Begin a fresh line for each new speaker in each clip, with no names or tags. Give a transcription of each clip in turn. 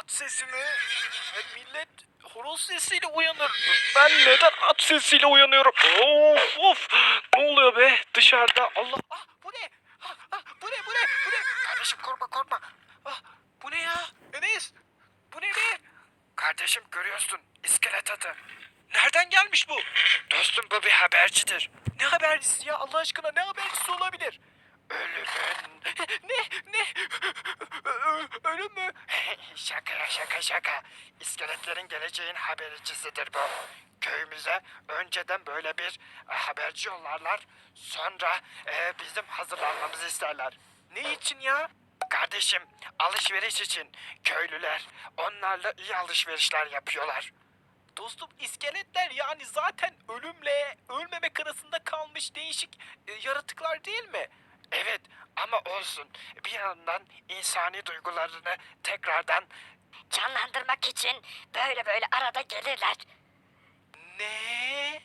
At sesi mi? Millet horoz sesiyle uyanır. Ben neden at sesiyle uyanıyorum? Of of. Ne oluyor be dışarıda? Allah. Ah bu ne? Bu ne? Bu ne? Kardeşim korkma. Ah bu ne ya? Enes. Bu ne be? Kardeşim görüyorsun iskelet atı. Nereden gelmiş bu? Dostum bu bir habercidir. Ne habercisi ya Allah aşkına ne habercisi olabilir? Ölümün. Ne? Ölüm mü? Şaka. İskeletlerin geleceğin habercisidir bu. Köyümüze önceden böyle bir haberci yollarlar. Sonra bizim hazırlanmamızı isterler. Ne için ya? Kardeşim alışveriş için köylüler onlarla iyi alışverişler yapıyorlar. Dostum iskeletler yani zaten ölümle ölmemek arasında kalmış değişik yaratıklar değil mi? Evet ama olsun bir yandan insani duygularını tekrardan
Canlandırmak için böyle arada gelirler.
ne?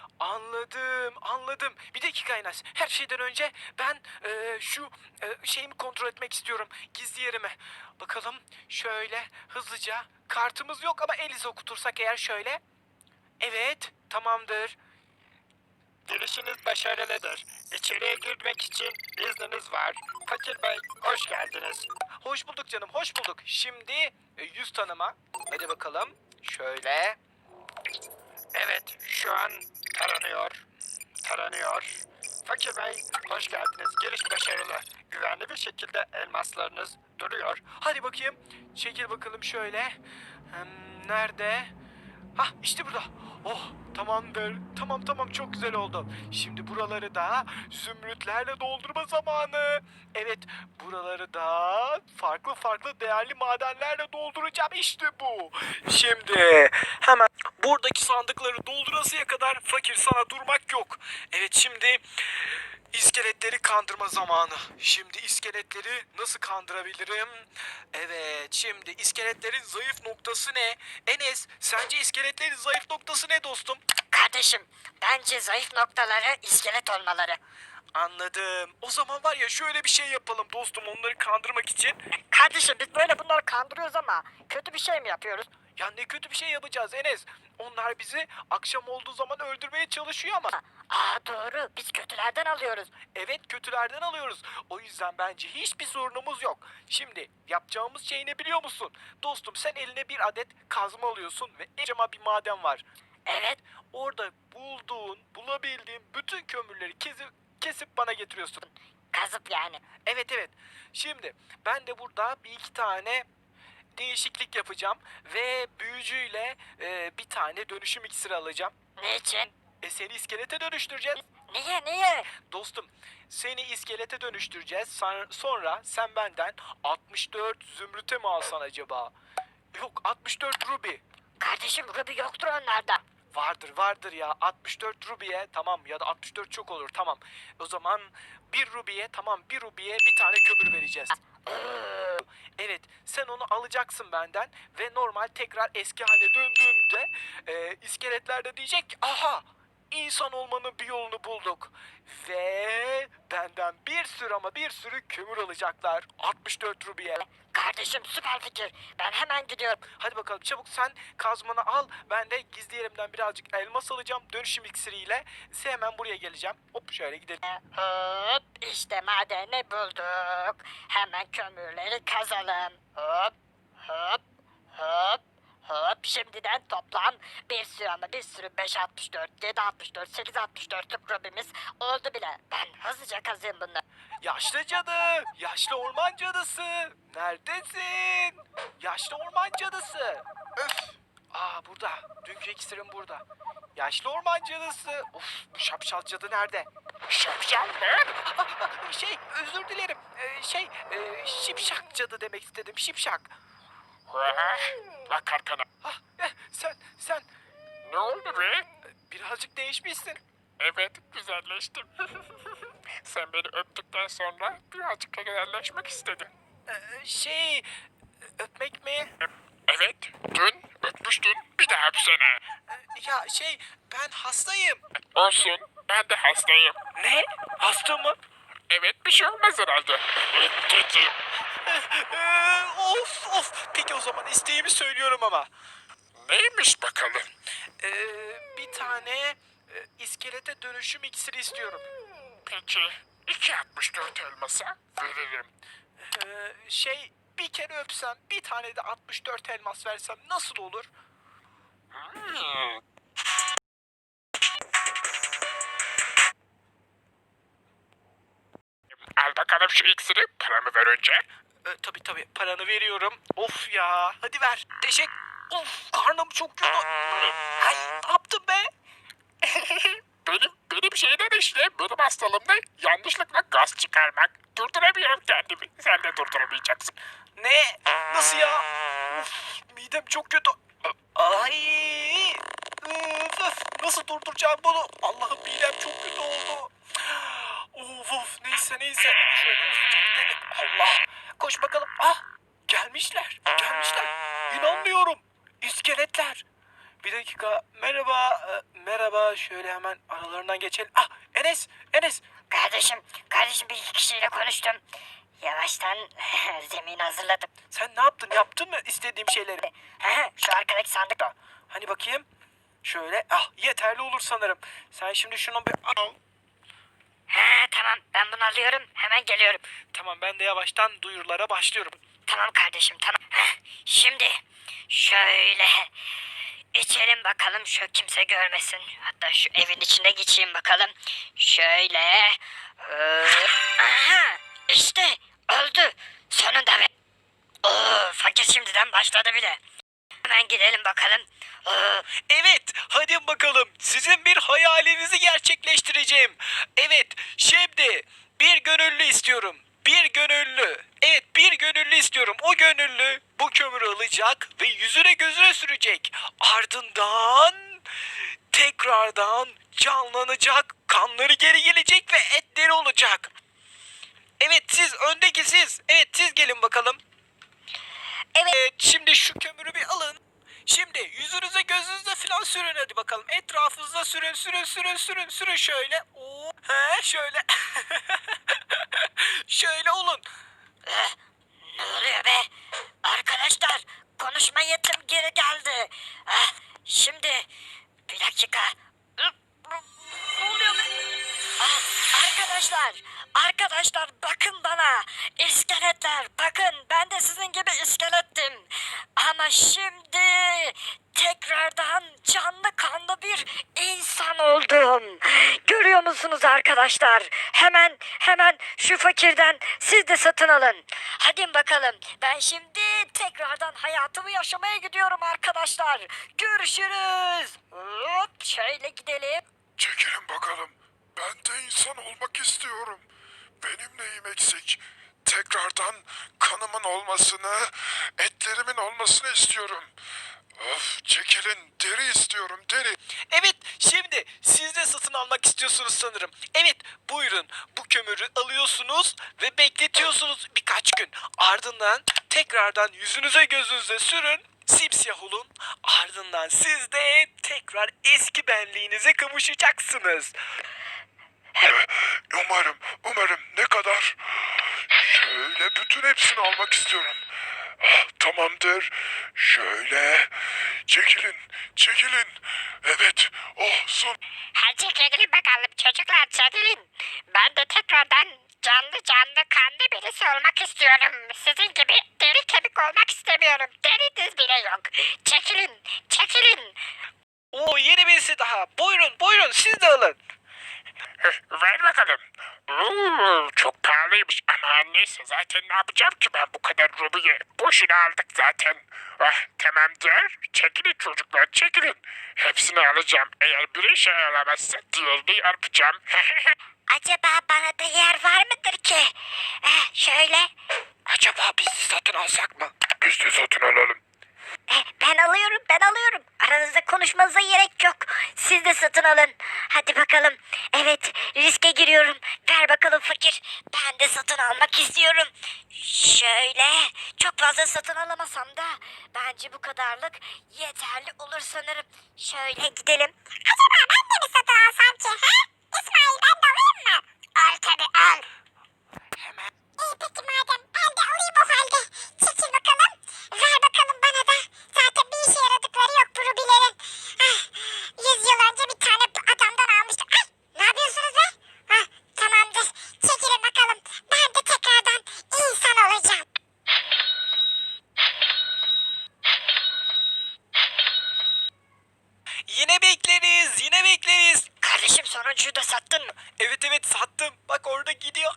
Anladım. Bir dakika Enes. Her şeyden önce ben şu şeyimi kontrol etmek istiyorum. Gizli yerimi. Bakalım şöyle hızlıca. Kartımız yok ama el izi okutursak eğer şöyle. Evet, tamamdır. Girişiniz başarılıdır. İçeriye girmek için izniniz var. Fakir Bey, hoş geldiniz. Hoş bulduk canım, hoş bulduk. Şimdi yüz tanıma. Hadi bakalım. Şöyle. Evet, şu an taranıyor. Fakir Bey, hoş geldiniz. Giriş başarılı. Güvenli bir şekilde elmaslarınız duruyor. Hadi bakayım. Çekil bakalım şöyle. Nerede? Hah, işte burada. Oh, tamamdır. Tamam, çok güzel oldu. Şimdi buraları da zümrütlerle doldurma zamanı. Evet, buraları da farklı değerli madenlerle dolduracağım. İşte bu. Şimdi hemen buradaki sandıkları doldurasıya kadar fakir sana durmak yok. Evet şimdi iskeletleri kandırma zamanı. Şimdi iskeletleri nasıl kandırabilirim? Evet şimdi iskeletlerin zayıf noktası ne? Enes sence iskeletlerin zayıf noktası ne dostum?
Kardeşim, bence zayıf noktaları iskelet olmaları.
Anladım. O zaman var ya şöyle bir şey yapalım dostum onları kandırmak için.
Kardeşim biz böyle bunları kandırıyoruz ama kötü bir şey mi yapıyoruz?
Ya ne kötü bir şey yapacağız Enes. Onlar bizi akşam olduğu zaman öldürmeye çalışıyor ama.
Aa doğru, biz kötülerden alıyoruz.
Evet kötülerden alıyoruz. O yüzden bence hiçbir sorunumuz yok. Şimdi yapacağımız şey ne biliyor musun? Dostum sen eline bir adet kazma alıyorsun ve kocaman bir maden var.
Evet,
Orada bulabildiğin bütün kömürleri kesip bana getiriyorsun.
kazıp yani.
Evet. Şimdi ben de burada bir iki tane değişiklik yapacağım ve büyücüyle bir tane dönüşüm iksiri alacağım.
Ne için?
Seni iskelete dönüştüreceğiz.
Niye?
Dostum seni iskelete dönüştüreceğiz. Sonra sen benden 64 zümrüte mi alsan acaba? Yok 64 ruby.
Kardeşim Ruby yoktur onlarda.
Vardır ya 64 ruby'ye tamam ya da 64 çok olur tamam. O zaman bir ruby'ye bir tane kömür vereceğiz. Evet sen onu alacaksın benden ve normal tekrar eski haline döndüğünde iskeletler de diyecek ki aha insan olmanın bir yolunu bulduk. Ve benden bir sürü kömür alacaklar 64 ruby'ye.
Kardeşim süper fikir. Ben hemen gidiyorum.
Hadi bakalım çabuk sen kazmanı al. Ben de gizli yerimden birazcık elmas alacağım dönüşüm iksiriyle. Hemen buraya geleceğim. Hop şöyle gidelim.
Hop işte madeni bulduk. Hemen kömürleri kazalım. Hop. Şimdiden toplam bir sürü 564, 764, 864'lük Ruby'miz oldu bile. Ben hızlıca kazayım bunları.
Yaşlı cadı, yaşlı orman cadısı. Neredesin? Yaşlı orman cadısı. Öf. Burada. Dünkü iksirim burada. Yaşlı orman cadısı. Of bu şapşal cadı nerede?
Şapşal mı?
Özür dilerim. Şipşak cadı demek istedim. Şipşak.
Bak arkana.
Sen
Ne oldu be?
birazcık değişmişsin.
Evet, güzelleştim. Sen beni öptükten sonra birazcık da güzelleşmek istedim.
Öpmek mi?
Evet, dün öpmüştün, bir daha öpsene.
Ben hastayım.
Olsun, ben de hastayım.
Ne? Hasta mı?
Evet, bir şey olmaz herhalde. Öptüm.
Of. Peki o zaman isteğimi söylüyorum ama.
Neymiş bakalım?
Bir tane iskelete dönüşüm iksiri istiyorum.
Peki 2.64 elmasa veririm.
Bir kere öpsem, bir tane de 64 elmas versem nasıl olur?
Hmm. Al bakalım şu iksiri, paramı ver önce.
Tabii paranı veriyorum. Of ya, hadi ver. Of, karnım çok kötü. Ay, ne yaptın be?
Benim şeyden işte, benim hastalığım ne? Yanlışlıkla gaz çıkarmak. Durduramıyorum kendimi. Sen de durduramayacaksın.
Ne? Nasıl ya? Of, midem çok kötü. Ay! Nasıl durduracağım bunu? Allah'ım midem çok kötü oldu. Of, neyse. Şöyle hızlıca gidelim. Allah! Koş bakalım. Ah! Gelmişler. İnanmıyorum. İskeletler. Bir dakika. Merhaba. Şöyle hemen aralarından geçelim. Ah! Enes!
Kardeşim bir iki kişiyle konuştum. Yavaştan zemin hazırladım.
Sen ne yaptın? Yaptın mı istediğim şeyleri?
Şu arkadaki sandıkta.
Hani bakayım. Şöyle. Ah, yeterli olur sanırım. Sen şimdi şunu bir al.
Tamam ben bunu alıyorum hemen geliyorum.
Tamam, ben de yavaştan duyurulara başlıyorum.
Tamam kardeşim tamam. Şimdi şöyle içelim bakalım şu kimse görmesin. Hatta şu evin içinde geçeyim bakalım. Şöyle. Aha işte öldü. Sonunda be. Oo, fakir şimdiden başladı bile. Hemen gidelim bakalım.
Evet, hadi bakalım. Sizin bir hayalinizi gerçekleştireceğim. Evet, şimdi bir gönüllü istiyorum. Evet, bir gönüllü istiyorum. O gönüllü bu kömürü alacak ve yüzüne gözüne sürecek. Ardından tekrardan canlanacak. Kanları geri gelecek ve etleri olacak. Evet, öndeki siz. Evet, siz gelin bakalım. Evet, şimdi şu kömürü bir alın. Şimdi yüzünüze gözünüze falan sürün hadi bakalım. Etrafınıza sürün şöyle. Oo, şöyle. Şöyle olun.
Ne oluyor be? Arkadaşlar konuşma yetim geri geldi. Şimdi bir dakika. Ne oluyor be? Arkadaşlar bakın bana. İskeletler bakın ben de sizin gibi iskelettim. Ama şimdi tekrardan canlı kanlı bir insan oldum. Görüyor musunuz arkadaşlar? Hemen şu fakirden siz de satın alın. Hadi bakalım. Ben şimdi tekrardan hayatımı yaşamaya gidiyorum arkadaşlar. Görüşürüz. Hop, şöyle gidelim.
Çekilin bakalım. Ben de insan olmak istiyorum. Benim neyim eksik? Tekrardan kanımın olmasını, etlerimin olmasını istiyorum. Of, çekilin. Deri istiyorum, deri.
Evet, şimdi siz de satın almak istiyorsunuz sanırım. Evet, buyurun. Bu kömürü alıyorsunuz ve bekletiyorsunuz birkaç gün. Ardından tekrardan yüzünüze gözünüze sürün. Simsiyah olun. Ardından siz de tekrar eski benliğinize kavuşacaksınız.
Umarım. Ne kadar? Şöyle bütün hepsini almak istiyorum. Ah, tamamdır. Şöyle. Çekilin. Evet. Oh, son.
Hadi çekilin bakalım çocuklar çekilin. Ben de tekrardan canlı kanlı birisi olmak istiyorum. Sizin gibi deri kemik olmak istemiyorum. Deriniz bile yok. Çekilin.
Oo, yeni birisi daha. Buyurun siz de alın.
Ver bakalım. Çok pahalıymış ama neyse zaten ne yapacağım ki ben bu kadar rubiyi. Boşuna aldık zaten. Tamamdır. Çekilin çocuklar çekilin. Hepsini alacağım. Eğer biri şey alamazsa diğerini yapacağım.
Acaba bana da yer var mıdır ki? Şöyle.
Acaba biz satın alsak mı?
Biz de satın alalım.
Ben alıyorum. Aranızda konuşmanıza gerek yok. Siz de satın alın. Hadi bakalım. Evet, riske giriyorum. Ver bakalım fakir. Ben de satın almak istiyorum. Şöyle. Çok fazla satın alamasam da bence bu kadarlık yeterli olur sanırım. Şöyle gidelim. Acaba ben de mi satın alsam ki? İsmail ben de alayım mı? Al tabii al.
Hemen.
İyi peki madem ben de alayım o halde. Çekil bakalım. Ver bakalım oyuncuyu da sattın mı?
Evet evet sattım. Bak orada gidiyor.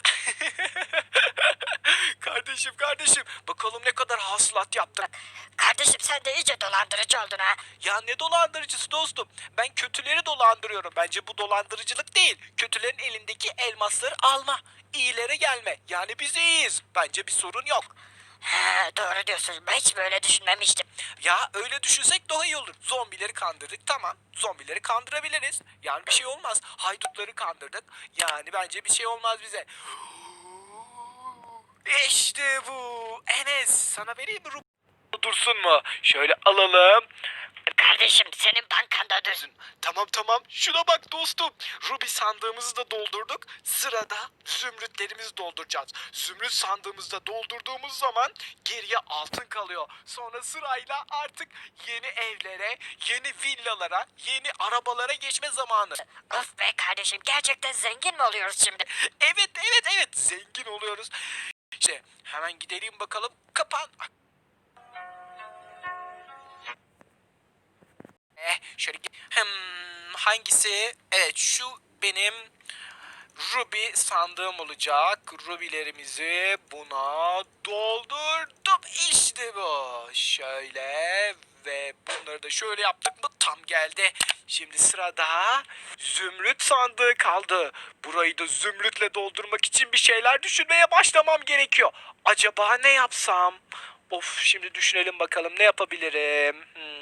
Kardeşim. Bakalım ne kadar hasılat yaptık.
Kardeşim sen de iyice dolandırıcı oldun ha.
Ya ne dolandırıcısı dostum? Ben kötüleri dolandırıyorum. Bence bu dolandırıcılık değil. Kötülerin elindeki elmasları alma. İyilere gelme. Yani biz iyiyiz. Bence bir sorun yok.
He, doğru diyorsun. Ben hiç böyle düşünmemiştim.
Ya öyle düşünsek daha iyi olur. Zombileri kandırdık tamam. Zombileri kandırabiliriz. Yani bir şey olmaz. Haydutları kandırdık. Yani bence bir şey olmaz bize. İşte bu. Enes sana vereyim mi dursun mu? Şöyle alalım.
Kardeşim senin bankanda dursun.
Tamam. Şuna bak dostum. Ruby sandığımızı da doldurduk. Sırada zümrütlerimizi dolduracağız. Zümrüt sandığımızda doldurduğumuz zaman geriye altın kalıyor. Sonra sırayla artık yeni evlere, yeni villalara, yeni arabalara geçme zamanı.
Of be kardeşim gerçekten zengin mi oluyoruz şimdi?
Evet. Zengin oluyoruz. İşte hemen gidelim bakalım. Kapan. Şöyle hangisi? Evet şu benim Ruby sandığım olacak. Ruby'lerimizi buna doldurdum. İşte bu. Şöyle ve bunları da şöyle yaptık mı tam geldi. Şimdi sırada zümrüt sandığı kaldı. Burayı da zümrütle doldurmak için bir şeyler düşünmeye başlamam gerekiyor. Acaba ne yapsam? Of şimdi düşünelim bakalım ne yapabilirim.